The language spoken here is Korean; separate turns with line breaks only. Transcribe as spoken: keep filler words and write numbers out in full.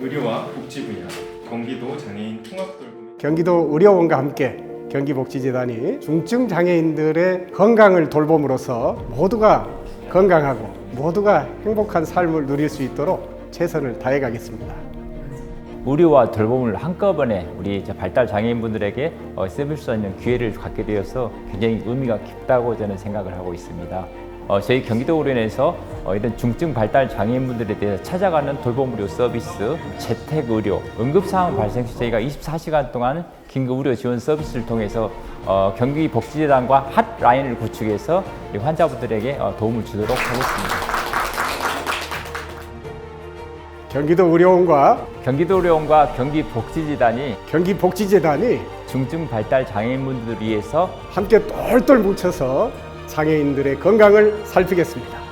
의료와 복지 분야, 경기도 장애인 통합돌봄
경기도 의료원과 함께 경기복지재단이 중증 장애인들의 건강을 돌봄으로써 모두가 건강하고 모두가 행복한 삶을 누릴 수 있도록 최선을 다해 가겠습니다.
의료와 돌봄을 한꺼번에 우리 발달 장애인분들에게 써볼 수 있는 기회를 갖게 되어서 굉장히 의미가 깊다고 저는 생각을 하고 있습니다. 어, 저희 경기도 의료원에서 어, 이런 중증 발달 장애인분들에 대해서 찾아가는 돌봄 의료 서비스, 재택 의료, 응급 상황 발생 시 저희가 이십사 시간 동안 긴급 의료 지원 서비스를 통해서 어, 경기복지재단과 핫라인을 구축해서 이 환자분들에게 어, 도움을 주도록 하겠습니다.
경기도 의료원과
경기도 의료원과 경기복지재단이
경기복지재단이
중증 발달 장애인분들을 위해서
함께 똘똘 뭉쳐서 장애인들의 건강을 살피겠습니다.